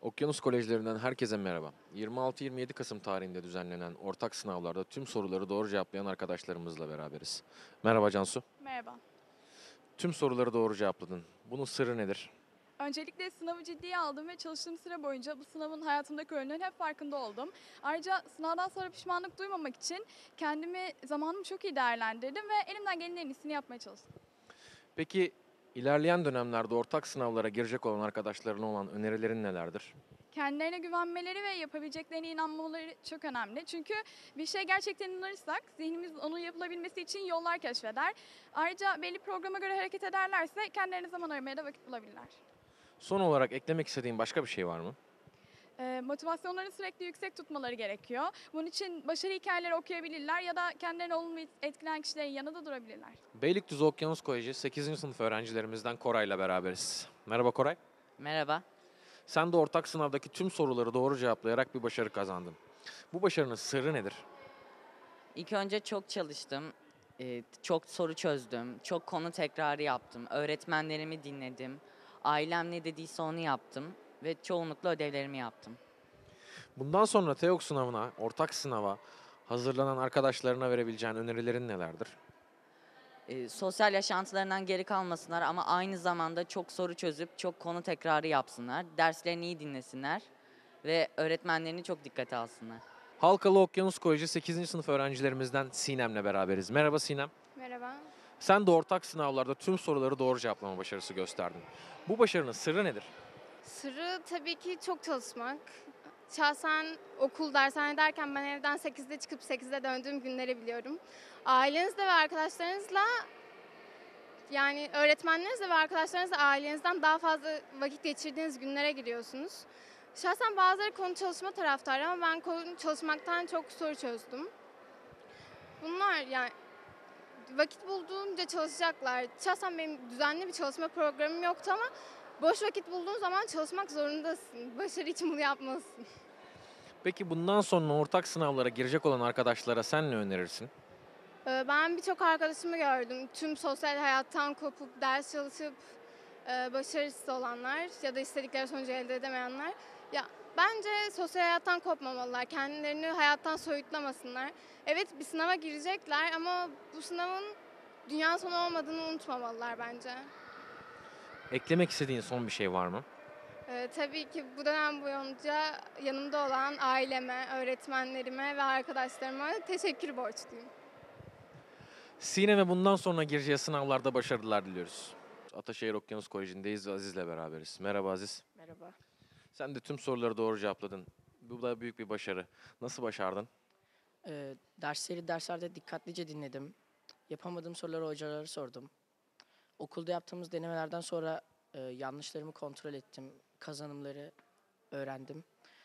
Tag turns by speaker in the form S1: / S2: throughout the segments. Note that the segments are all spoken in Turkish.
S1: Okyanus Kolejlerinden herkese merhaba. 26-27 Kasım tarihinde düzenlenen ortak sınavlarda tüm soruları doğru cevaplayan arkadaşlarımızla beraberiz. Merhaba Cansu.
S2: Merhaba.
S1: Tüm soruları doğru cevapladın. Bunun sırrı nedir?
S2: Öncelikle sınavı ciddiye aldım ve çalıştığım süre boyunca bu sınavın hayatımdaki önünün hep farkında oldum. Ayrıca sınavdan sonra pişmanlık duymamak için zamanımı çok iyi değerlendirdim ve elimden gelenin en iyisini yapmaya çalıştım.
S1: Peki ilerleyen dönemlerde ortak sınavlara girecek olan arkadaşlarına olan önerilerin nelerdir?
S2: Kendilerine güvenmeleri ve yapabileceklerine inanmaları çok önemli. Çünkü bir şey gerçekten inanırsak zihnimiz onun yapılabilmesi için yollar keşfeder. Ayrıca belli programa göre hareket ederlerse kendilerine zaman ayırmaya da vakit bulabilirler.
S1: Son olarak eklemek istediğin başka bir şey var mı?
S2: Motivasyonlarını sürekli yüksek tutmaları gerekiyor. Bunun için başarı hikayeleri okuyabilirler ya da kendilerini olumlu etkileyen kişilerin yanında durabilirler.
S1: Beylikdüzü Okyanus Koleji 8. sınıf öğrencilerimizden Koray'la beraberiz. Merhaba Koray.
S3: Merhaba.
S1: Sen de ortak sınavdaki tüm soruları doğru cevaplayarak bir başarı kazandın. Bu başarının sırrı nedir?
S3: İlk önce çok çalıştım. Çok soru çözdüm. Çok konu tekrarı yaptım. Öğretmenlerimi dinledim. Ailem ne dediyse onu yaptım. Ve çoğunlukla ödevlerimi yaptım.
S1: Bundan sonra TEOK sınavına, ortak sınava hazırlanan arkadaşlarına verebileceğin önerilerin nelerdir?
S3: Sosyal yaşantılarından geri kalmasınlar ama aynı zamanda çok soru çözüp çok konu tekrarı yapsınlar. Derslerini iyi dinlesinler. Ve öğretmenlerini çok dikkate alsınlar.
S1: Halkalı Okyanus Koleji 8. sınıf öğrencilerimizden Sinem'le beraberiz. Merhaba Sinem.
S2: Merhaba.
S1: Sen de ortak sınavlarda tüm soruları doğru cevaplama başarısı gösterdin. Bu başarının sırrı nedir?
S4: Sırrı tabii ki çok çalışmak. Şahsen okul, dershane derken ben evden 8'de çıkıp 8'de döndüğüm günleri biliyorum. Ailenizle ve arkadaşlarınızla yani öğretmenlerinizle ve arkadaşlarınızla ailenizden daha fazla vakit geçirdiğiniz günlere giriyorsunuz. Şahsen bazıları konu çalışma taraftarı ama ben konu çalışmaktan çok soru çözdüm. Bunlar yani vakit bulduğunca çalışacaklar. Şahsen benim düzenli bir çalışma programım yoktu ama boş vakit bulduğun zaman çalışmak zorundasın. Başarı için bunu yapmalısın.
S1: Peki bundan sonra ortak sınavlara girecek olan arkadaşlara sen ne önerirsin?
S4: Ben birçok arkadaşımı gördüm. Tüm sosyal hayattan kopup ders çalışıp başarısız olanlar ya da istedikleri sonucu elde edemeyenler. Ya bence sosyal hayattan kopmamalılar. Kendilerini hayattan soyutlamasınlar. Evet bir sınava girecekler ama bu sınavın dünya sonu olmadığını unutmamalılar bence.
S1: Eklemek istediğin son bir şey var mı?
S4: Tabii ki bu dönem boyunca yanımda olan aileme, öğretmenlerime ve arkadaşlarıma teşekkür borçluyum.
S1: Sinem'e bundan sonra gireceği sınavlarda başarılar diliyoruz. Ataşehir Okyanus Koleji'ndeyiz ve Aziz'le beraberiz. Merhaba Aziz.
S5: Merhaba.
S1: Sen de tüm soruları doğru cevapladın. Bu da büyük bir başarı. Nasıl başardın?
S5: Derslerde dikkatlice dinledim. Yapamadığım soruları hocalara sordum. Okulda yaptığımız denemelerden sonra yanlışlarımı kontrol ettim. Kazanımları öğrendim.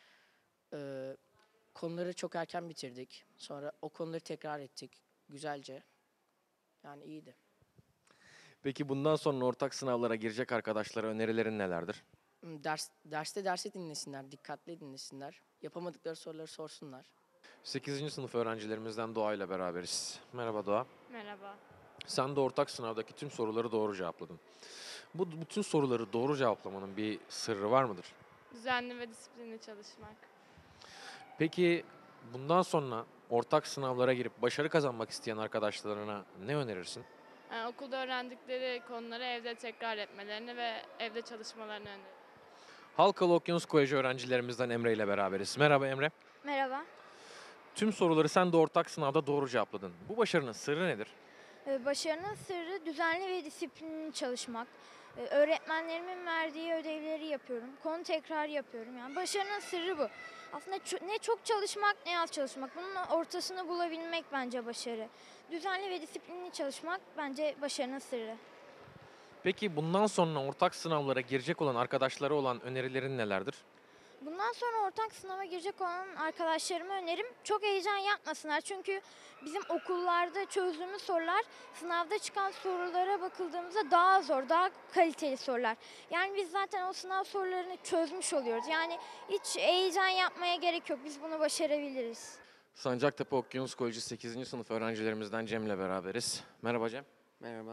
S5: Konuları çok erken bitirdik. Sonra o konuları tekrar ettik güzelce. Yani iyiydi.
S1: Peki bundan sonra ortak sınavlara girecek arkadaşlara önerilerin nelerdir?
S5: Derste dinlesinler, dikkatli dinlesinler. Yapamadıkları soruları sorsunlar.
S1: 8. sınıf öğrencilerimizden Doğa ile beraberiz. Merhaba Doğa.
S6: Merhaba.
S1: Sen de ortak sınavdaki tüm soruları doğru cevapladın. Bu bütün soruları doğru cevaplamanın bir sırrı var mıdır?
S6: Düzenli ve disiplinli çalışmak.
S1: Peki bundan sonra ortak sınavlara girip başarı kazanmak isteyen arkadaşlarına ne önerirsin?
S6: Yani okulda öğrendikleri konuları evde tekrar etmelerini ve evde çalışmalarını öneririm.
S1: Halkalı Okyanus Koleji öğrencilerimizden Emre ile beraberiz. Merhaba Emre.
S7: Merhaba.
S1: Tüm soruları sen de ortak sınavda doğru cevapladın. Bu başarının sırrı nedir?
S7: Başarının sırrı düzenli ve disiplinli çalışmak. Öğretmenlerimin verdiği ödevleri yapıyorum. Konu tekrar yapıyorum. Yani başarının sırrı bu. Aslında ne çok çalışmak ne az çalışmak. Bunun ortasını bulabilmek bence başarı. Düzenli ve disiplinli çalışmak bence başarının sırrı.
S1: Peki bundan sonra ortak sınavlara girecek olan arkadaşlara olan önerilerin nelerdir?
S7: Bundan sonra ortak sınava girecek olan arkadaşlarıma önerim çok heyecan yapmasınlar. Çünkü bizim okullarda çözdüğümüz sorular sınavda çıkan sorulara bakıldığımızda daha zor, daha kaliteli sorular. Yani biz zaten o sınav sorularını çözmüş oluyoruz. Yani hiç heyecan yapmaya gerek yok. Biz bunu başarabiliriz.
S1: Sancaktepe Okyanus Koleji 8. sınıf öğrencilerimizden Cem'le beraberiz. Merhaba Cem.
S8: Merhaba.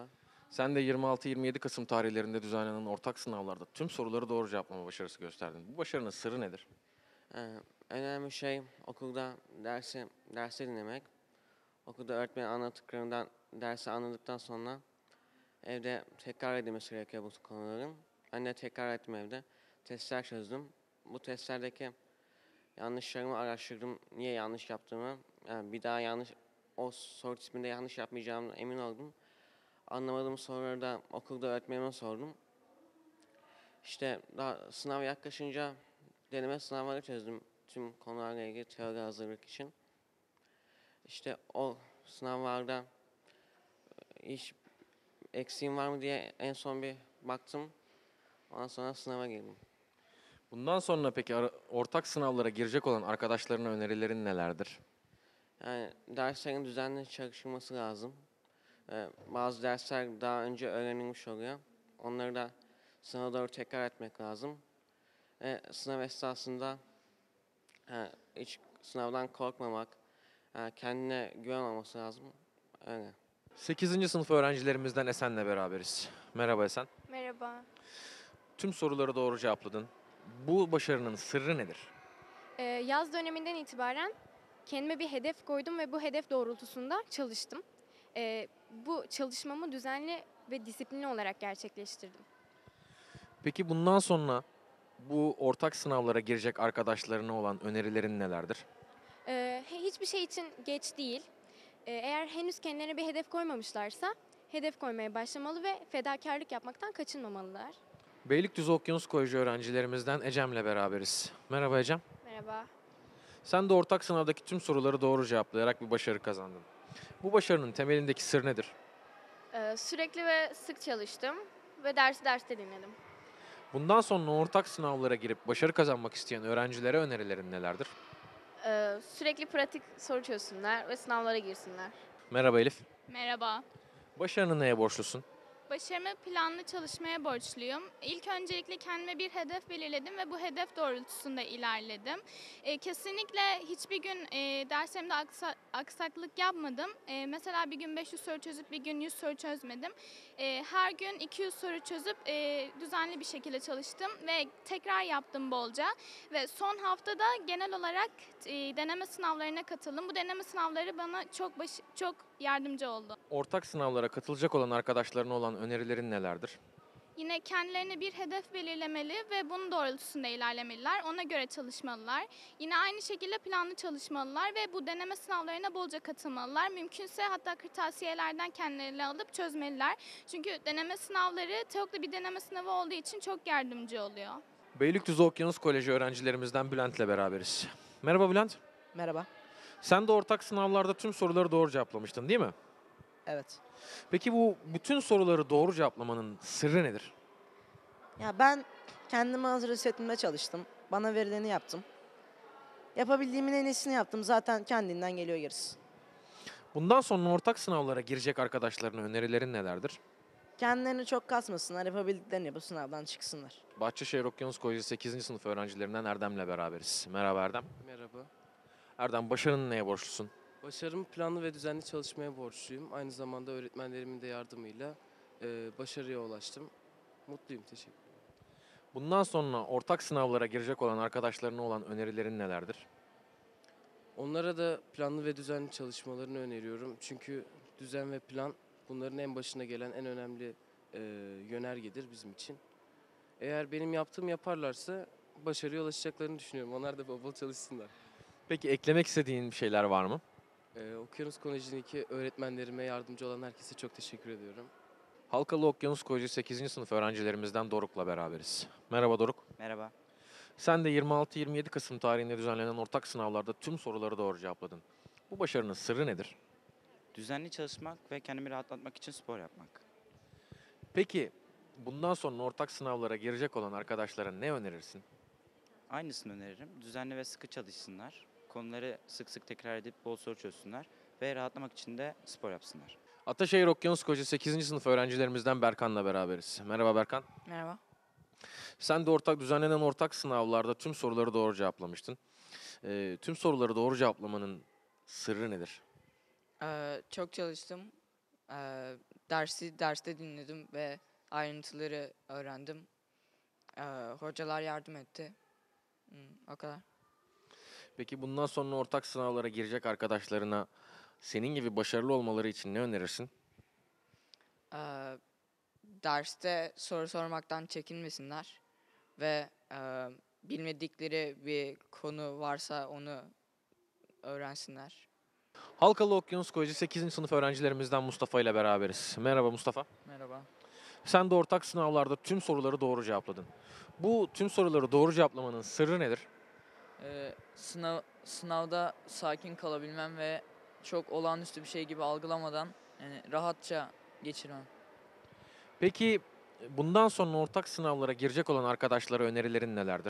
S1: Sen de 26-27 Kasım tarihlerinde düzenlenen ortak sınavlarda tüm soruları doğru cevaplama başarısı gösterdin. Bu başarının sırrı nedir?
S8: En önemli şey okulda dersi dinlemek. Okulda öğretmenin anlattıklarından dersi anladıktan sonra evde tekrar edilmesi gerekiyor bu konuların. Ben de tekrar ettim evde. Testler çözdüm. Bu testlerdeki yanlışlarımı araştırdım. Niye yanlış yaptığımı. Yani bir daha o soru tipinde yanlış yapmayacağımdan emin oldum. Anlamadığım soruları da okulda öğretmenime sordum. İşte daha sınav yaklaşınca deneme sınavları çözdüm tüm konularla ilgili teori hazırlık için. İşte o sınavlarda hiç eksiğim var mı diye en son bir baktım. Ondan sonra sınava girdim.
S1: Bundan sonra peki ortak sınavlara girecek olan arkadaşlarına önerilerin nelerdir?
S8: Yani derslerin düzenli çalışılması lazım. Bazı dersler daha önce öğrenilmiş oluyor. Onları da sınava doğru tekrar etmek lazım. Sınav esnasında hiç sınavdan korkmamak, kendine güven olması lazım. Öyle.
S1: 8. sınıf öğrencilerimizden Esen'le beraberiz. Merhaba Esen.
S9: Merhaba.
S1: Tüm soruları doğru cevapladın. Bu başarının sırrı nedir?
S9: Yaz döneminden itibaren kendime bir hedef koydum ve bu hedef doğrultusunda çalıştım. Bu çalışmamı düzenli ve disiplinli olarak gerçekleştirdim.
S1: Peki bundan sonra bu ortak sınavlara girecek arkadaşlarına olan önerilerin nelerdir?
S9: Hiçbir şey için geç değil. Eğer henüz kendilerine bir hedef koymamışlarsa hedef koymaya başlamalı ve fedakarlık yapmaktan kaçınmamalılar.
S1: Beylikdüzü Okyanus Koleji öğrencilerimizden Ecem'le beraberiz. Merhaba Ecem.
S9: Merhaba.
S1: Sen de ortak sınavdaki tüm soruları doğru cevaplayarak bir başarı kazandın. Bu başarının temelindeki sır nedir?
S10: Sürekli ve sık çalıştım ve derste dinledim.
S1: Bundan sonra ortak sınavlara girip başarı kazanmak isteyen öğrencilere önerilerin nelerdir?
S10: Sürekli pratik soru çözsünler ve sınavlara girsinler.
S1: Merhaba Elif.
S2: Merhaba.
S1: Başarını neye borçlusun?
S2: Başarımı planlı çalışmaya borçluyum. İlk öncelikle kendime bir hedef belirledim ve bu hedef doğrultusunda ilerledim. Kesinlikle hiçbir gün derslerimde aksaklık yapmadım. Mesela bir gün 500 soru çözüp bir gün 100 soru çözmedim. Her gün 200 soru çözüp düzenli bir şekilde çalıştım ve tekrar yaptım bolca. Ve son haftada genel olarak deneme sınavlarına katıldım. Bu deneme sınavları bana çok yardımcı oldu.
S1: Ortak sınavlara katılacak olan arkadaşlarına olan önerilerin nelerdir?
S2: Yine kendilerine bir hedef belirlemeli ve bunun doğrultusunda ilerlemeliler. Ona göre çalışmalılar. Yine aynı şekilde planlı çalışmalılar ve bu deneme sınavlarına bolca katılmalılar. Mümkünse hatta kırtasiyelerden kendilerini alıp çözmeliler. Çünkü deneme sınavları TEOK'ta bir deneme sınavı olduğu için çok yardımcı oluyor.
S1: Beylikdüzü Okyanus Koleji öğrencilerimizden Bülent'le beraberiz. Merhaba Bülent.
S5: Merhaba.
S1: Sen de ortak sınavlarda tüm soruları doğru cevaplamıştın değil mi?
S5: Evet.
S1: Peki bu bütün soruları doğru cevaplamanın sırrı nedir?
S11: Ya ben kendimi hazır hissetmeye çalıştım. Bana verileni yaptım. Yapabildiğimin en iyisini yaptım. Zaten kendinden geliyor gerisi.
S1: Bundan sonra ortak sınavlara girecek arkadaşlarına önerilerin nelerdir?
S11: Kendilerini çok kasmasınlar. Yapabildiklerini yapıp sınavdan çıksınlar.
S1: Bahçeşehir Okyanus Koleji 8. sınıf öğrencilerinden Erdem'le beraberiz. Merhaba Erdem.
S12: Merhaba.
S1: Erdem, başarının neye borçlusun?
S12: Başarımı planlı ve düzenli çalışmaya borçluyum. Aynı zamanda öğretmenlerimin de yardımıyla başarıya ulaştım. Mutluyum, teşekkür ederim.
S1: Bundan sonra ortak sınavlara girecek olan arkadaşlarına olan önerilerin nelerdir?
S12: Onlara da planlı ve düzenli çalışmalarını öneriyorum. Çünkü düzen ve plan bunların en başına gelen en önemli yönergedir bizim için. Eğer benim yaptığımı yaparlarsa başarıya ulaşacaklarını düşünüyorum. Onlar da bol bol çalışsınlar.
S1: Peki eklemek istediğin bir şeyler var mı?
S12: Okyanus Koleji'ndeki öğretmenlerime yardımcı olan herkese çok teşekkür ediyorum.
S1: Halkalı Okyanus Koleji 8. sınıf öğrencilerimizden Doruk'la beraberiz. Merhaba Doruk.
S13: Merhaba.
S1: Sen de 26-27 Kasım tarihinde düzenlenen ortak sınavlarda tüm soruları doğru cevapladın. Bu başarının sırrı nedir?
S13: Düzenli çalışmak ve kendimi rahatlatmak için spor yapmak.
S1: Peki bundan sonra ortak sınavlara girecek olan arkadaşlara ne önerirsin?
S13: Aynısını öneririm. Düzenli ve sıkı çalışsınlar. Konuları sık sık tekrar edip bol soru çözsünler. Ve rahatlamak için de spor yapsınlar.
S1: Ataşehir Okyanus Koleji 8. sınıf öğrencilerimizden Berkan'la beraberiz. Merhaba Berkan.
S5: Merhaba.
S1: Sen de düzenlenen ortak sınavlarda tüm soruları doğru cevaplamıştın. Tüm soruları doğru cevaplamanın sırrı nedir?
S5: Çok çalıştım. Derste dinledim ve ayrıntıları öğrendim. Hocalar yardım etti. O kadar.
S1: Peki bundan sonra ortak sınavlara girecek arkadaşlarına senin gibi başarılı olmaları için ne önerirsin?
S5: Derste soru sormaktan çekinmesinler ve bilmedikleri bir konu varsa onu öğrensinler.
S1: Halkalı Okyanus Koleji 8. sınıf öğrencilerimizden Mustafa ile beraberiz. Merhaba Mustafa.
S14: Merhaba.
S1: Sen de ortak sınavlarda tüm soruları doğru cevapladın. Bu tüm soruları doğru cevaplamanın sırrı nedir?
S14: Sınavda sakin kalabilmem ve çok olağanüstü bir şey gibi algılamadan yani rahatça geçirmem.
S1: Peki bundan sonra ortak sınavlara girecek olan arkadaşlara önerilerin nelerdir?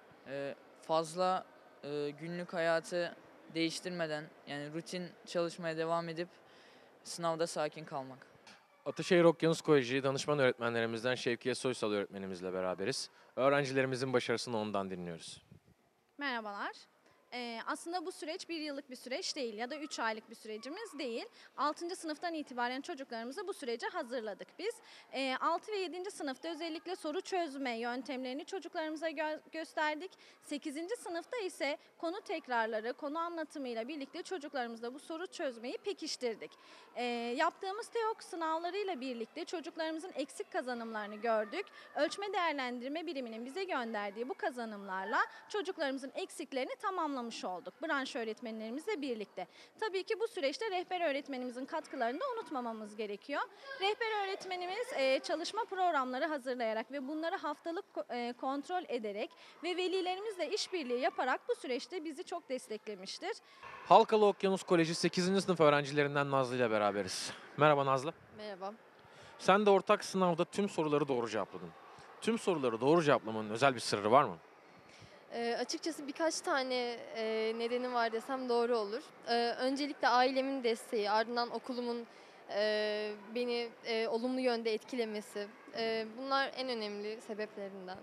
S14: Fazla günlük hayatı değiştirmeden yani rutin çalışmaya devam edip sınavda sakin kalmak.
S1: Ataşehir Okyanus Koleji danışman öğretmenlerimizden Şevkiye Soysal öğretmenimizle beraberiz. Öğrencilerimizin başarısını ondan dinliyoruz.
S15: Merhabalar. Aslında bu süreç 1 yıllık bir süreç değil ya da 3 aylık bir sürecimiz değil. 6. sınıftan itibaren çocuklarımızı bu sürece hazırladık biz. 6 ve 7. sınıfta özellikle soru çözme yöntemlerini çocuklarımıza gösterdik. 8. sınıfta ise konu tekrarları, konu anlatımıyla birlikte çocuklarımızla bu soru çözmeyi pekiştirdik. Yaptığımız TEOK sınavlarıyla birlikte çocuklarımızın eksik kazanımlarını gördük. Ölçme değerlendirme biriminin bize gönderdiği bu kazanımlarla çocuklarımızın eksiklerini tamamlamış olduk. Branş öğretmenlerimizle birlikte. Tabii ki bu süreçte rehber öğretmenimizin katkılarını da unutmamamız gerekiyor. Rehber öğretmenimiz çalışma programları hazırlayarak ve bunları haftalık kontrol ederek ve velilerimizle işbirliği yaparak bu süreçte bizi çok desteklemiştir.
S1: Halkalı Okyanus Koleji 8. sınıf öğrencilerinden Nazlı ile beraberiz. Merhaba Nazlı.
S16: Merhaba.
S1: Sen de ortak sınavda tüm soruları doğru cevapladın. Tüm soruları doğru cevaplamanın özel bir sırrı var mı?
S16: Açıkçası birkaç tane nedeni var desem doğru olur. Öncelikle ailemin desteği, ardından okulumun beni olumlu yönde etkilemesi. Bunlar en önemli sebeplerinden.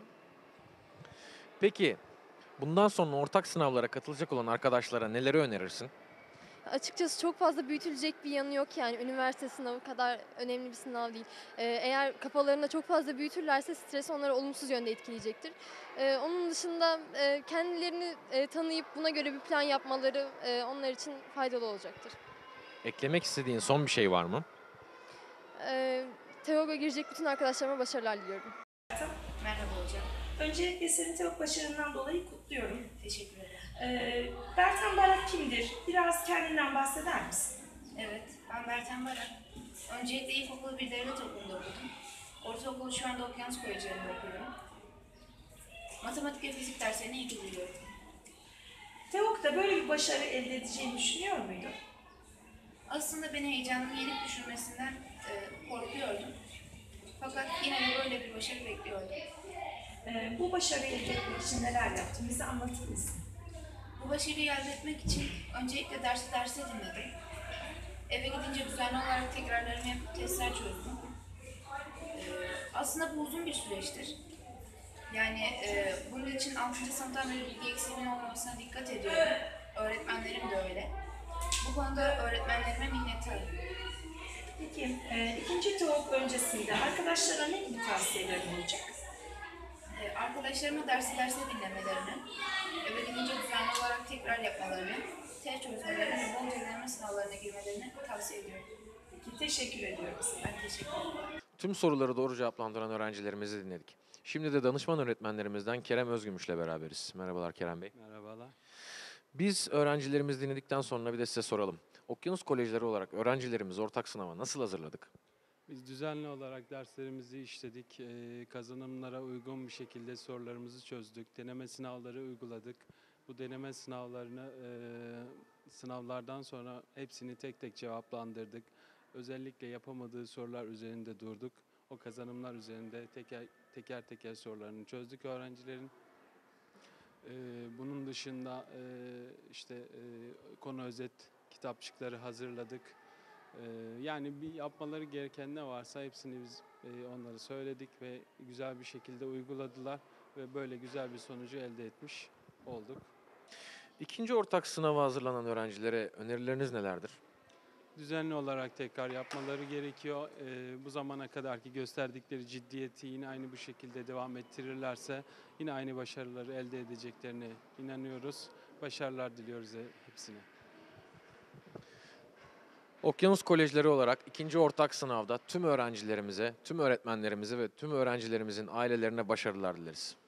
S1: Peki bundan sonra ortak sınavlara katılacak olan arkadaşlara neleri önerirsin?
S16: Açıkçası çok fazla büyütülecek bir yanı yok yani üniversite sınavı kadar önemli bir sınav değil. Eğer kafalarında çok fazla büyütürlerse stres onları olumsuz yönde etkileyecektir. Onun dışında kendilerini tanıyıp buna göre bir plan yapmaları onlar için faydalı olacaktır.
S1: Eklemek istediğin son bir şey var mı?
S16: TEOG'a girecek bütün arkadaşlarıma başarılar diliyorum.
S17: Merhaba hocam. Öncelikle seni TEOG başarından dolayı kutluyorum. Teşekkür ederim. Bertan Barak kimdir? Biraz kendinden bahseder misin?
S18: Evet, ben Bertan Barak. Öncelikle ilkokulu bir devlet okulunda okudum. Ortaokulu şu anda Okyanus Koleji'nde okuyorum. Matematik ve fizik derslerini iyi ki biliyorum.
S17: TEOG'da böyle bir başarı elde edeceğini düşünüyor muydun?
S18: Aslında beni heyecanın yenik düşürmesinden korkuyordum. Fakat yine de böyle bir başarı bekliyordum.
S17: Bu başarıyı elde etmek için neler yaptın? Bize anlatır mısın?
S18: Bu başarıyı elde etmek için öncelikle dersi dinledim. Eve gidince düzenli olarak tekrarlarımı yapıp testler çözdüm. Aslında bu uzun bir süreçtir. Yani bunun için 6. sınıftan beri bilgi eksiğimin olmamasına dikkat ediyorum. Öğretmenlerim de öyle. Bu konuda öğretmenlerime minnettarım.
S17: Peki, ikinci TEOG öncesinde arkadaşlara ne gibi tavsiyelerin olacak?
S18: Arkadaşlarıma dersi dinlemelerini, eve gidince düzenli olarak tekrar yapmalarını, test çözmelerini ve bol deneme sınavlarına girmelerini tavsiye ediyorum.
S17: Peki, teşekkür ediyorum.
S18: Ben teşekkür ederim.
S1: Tüm soruları doğru cevaplandıran öğrencilerimizi dinledik. Şimdi de danışman öğretmenlerimizden Kerem Özgümüş'le beraberiz. Merhabalar Kerem Bey.
S19: Merhabalar.
S1: Biz öğrencilerimizi dinledikten sonra bir de size soralım. Okyanus Kolejleri olarak öğrencilerimizi ortak sınava nasıl hazırladık?
S19: Biz düzenli olarak derslerimizi işledik, kazanımlara uygun bir şekilde sorularımızı çözdük, deneme sınavları uyguladık. Bu deneme sınavlardan sonra hepsini tek tek cevaplandırdık. Özellikle yapamadığı sorular üzerinde durduk. O kazanımlar üzerinde teker sorularını çözdük öğrencilerin. Bunun dışında konu özet kitapçıkları hazırladık. Yani bir yapmaları gereken ne varsa hepsini biz onlara söyledik ve güzel bir şekilde uyguladılar ve böyle güzel bir sonucu elde etmiş olduk.
S1: İkinci ortak sınava hazırlanan öğrencilere önerileriniz nelerdir?
S19: düzenli olarak tekrar yapmaları gerekiyor. Bu zamana kadarki gösterdikleri ciddiyeti yine aynı bu şekilde devam ettirirlerse yine aynı başarıları elde edeceklerine inanıyoruz. Başarılar diliyoruz hepsine.
S1: Okyanus Kolejleri olarak ikinci ortak sınavda tüm öğrencilerimize, tüm öğretmenlerimize ve tüm öğrencilerimizin ailelerine başarılar dileriz.